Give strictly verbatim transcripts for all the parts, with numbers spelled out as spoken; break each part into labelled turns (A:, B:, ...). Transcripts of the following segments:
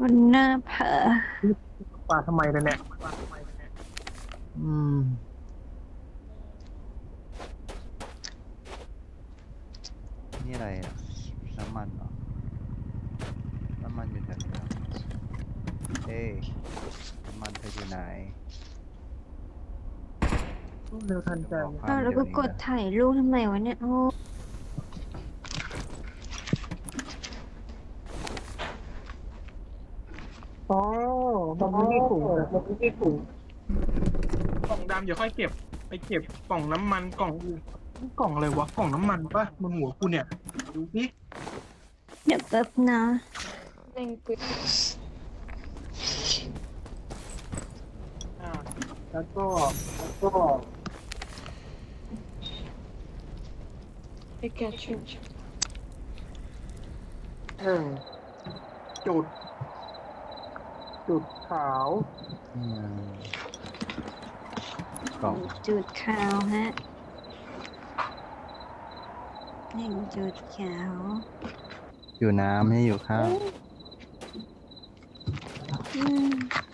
A: วันหน้าเผลอ
B: ปลาทำไมล่ะเนี่ย
C: อืมนี่อะไรอ่ะน้ำมันเหรอน้ำมันอยู่แถวนี้เหรอเอ้ยน้ำมันเธออยู่ไหน
B: เร็วทันใจ
C: เดี๋ยวบอก
A: อ้าว
C: ให้
A: แล้วก็กด
C: เดี๋ยวนี้นะ
A: ถ่ายรูปทำไมวะเนี่ยโอ้
B: อ๋อมันไม่ได้ถุงแต่มันไม่ได้ถุงกล่องดำเดี๋ยวค่อยเก็บไปเก็บกล่องน้ำมันกล่องอื่นนี่กล่องอะไรวะกล่องน้ำมันปะบนหัวกูเนี่ยดูสิ
A: เดี๋ยวแป๊บนะ
D: เร่งปืน
B: อ่าแล้วก็แล้วก็
D: ไปแกะชุด
B: หนึ่งจุด จุดขาว
C: อืมกล่อง
A: จุดขาวฮะหนึ่งจุดขาว
C: อยู่น้ำให้อยู่ข้าว
A: อืม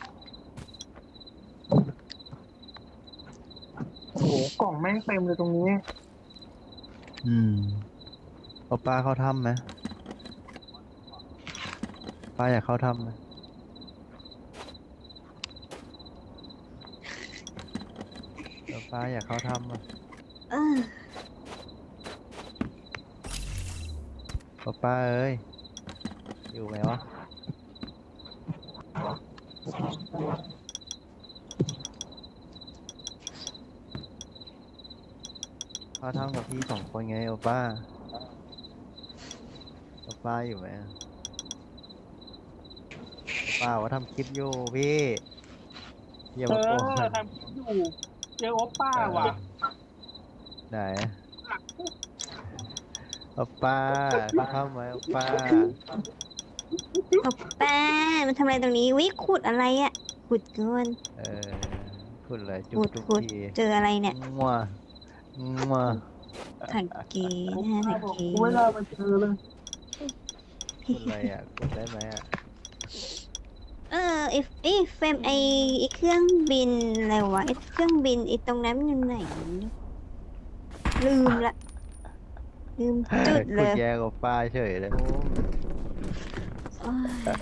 B: โอ้โหกล่องแม่งเต็มเลยตรงนี้
C: อืมเอาปลาเข้าถ้ำไหมปลาอยากเข้าถ้ำไหมเอาปลาอยากเข้าถ้ำอ่ะ
A: เออ
C: เอาปลาเอ้ยอยู่ไหมวะเข้าถ้ำกับพี่สองคนไงเอาป้าเอาป้าอยู่ไหมเอาป้าว่าทำคลิปอยู่พี่อย่า
B: เอ
C: มาโกง
B: อทำคลิปอยู่เจอโอปป้าว่ะ
C: ไหนเอาป้าเข้าถ้ำไหมเอาป้า
A: เอาแป้งมันทำอะไรตรงนี้วิขุดอะไรอ่ะขุดเกิน
C: เออพูดเลยจุ๊
A: ขุ
C: บ
A: ด
C: จุ๊บ
A: ขุด
C: ที
A: เจออะไรเนี่ย
C: งัวงัว
A: ถังเกนะฮะถังเก
B: กูเวลาไปเจอเลย
C: พูดอะไรอ่ะกดได้ไหมอ่ะ
A: เออไอไอเฟรมไอไอเครื่องบินอะไรวะไอเครื่องบินไอตรงนั้นมันอยู่ไหนลืมละลืมจุดเล
C: คุณ
A: ย
C: แย่กับป้าเฉยเลย
A: โอ้ย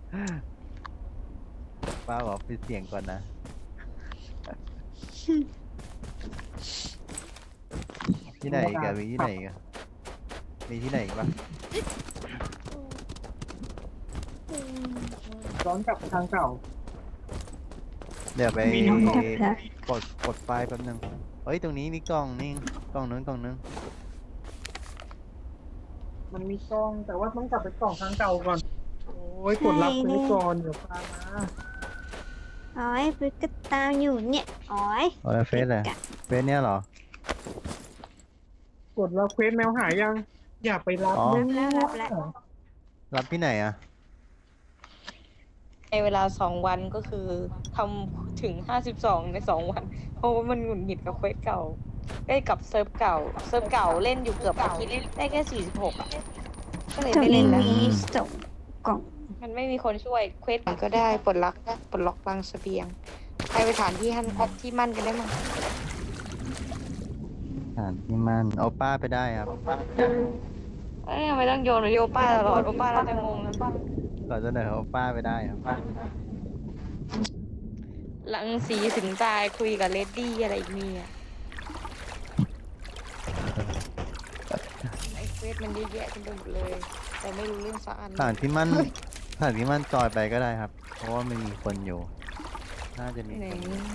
C: ป้าบอกปิดเสียงก่อนนะที่ไหนอีกันมีที่ไหนอีกันมีที่ไหนอีกปะ
B: ย้อนกลับไปทางเก่า
C: เดี๋ยวไป
B: มีน้ำ
A: กลับละ
C: กดกดไฟล์แป๊บนึงเฮ้ยตรงนี้มีกล่องนี่กล่องนึงกล่องนึง
B: มันมีกล้องแต่ว่าต้องกลับไปกล่องทางเก่าก่อน โอ้ยกดรับไปก่อนเดี๋ยวพามา
A: โอ้ยปึ๊กก็ตามอยู่เนี่ยโอ้ย
C: เออเฟซเลยเฟซเนี้ยเหรอก
B: ดรับเควสแมวหายยัง อย่าไปรับ
C: อ๋อ
B: นะ
A: รับแล้ว
C: รับที่ไหนอ่ะ
D: ในเวลาสองวันก็คือทำถึงห้าสิบสองในสองวัน เพราะว่ามันหงุดหงิดกับเควสเก่าได้กับเซิร์ฟเก่า เซิร์ฟเก่าเล่นอยู่เกือบอาทิตย์ได้แค่สี่สิบหกอ่ะ ก็เลย
A: ตรง
D: ไม่เล่นแล้ว
A: นี้ส่งกล่อง
D: มันไม่มีคนช่วยเควสก็ได้ปลดล็อกปลดล็อกบางเสบียงไปไปฐานที่ฮันที่มั่นกันได้มั้ง
C: ฐานที่มันเอาป้าไปได้ครับ
D: เอ้ยทำไมต้องโยนโยป้าตลอดโอป้าเราจะงงนะ
C: ขอเสนอเอาป้าไปได้ครับ
D: หลังสีถึงตายคุยกับเลดดี้อะไรอีกเนี่ยไอเควสมันเยอะแยะเต็มไปหมดเลย แต่ไม่รู้เรื่องสักอัน
C: ฐานที่มันฐานที่มันจอยไปก็ได้ครับ เพราะว่ามันมีคนอยู่ น่าจะมี
D: ไหน
C: คนอยู่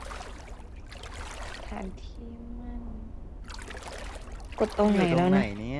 D: ฐานที่มัน กดตรงไหน
C: อยู่ตร
D: แล้ว
C: งไหน
D: นะ
C: เนี่ย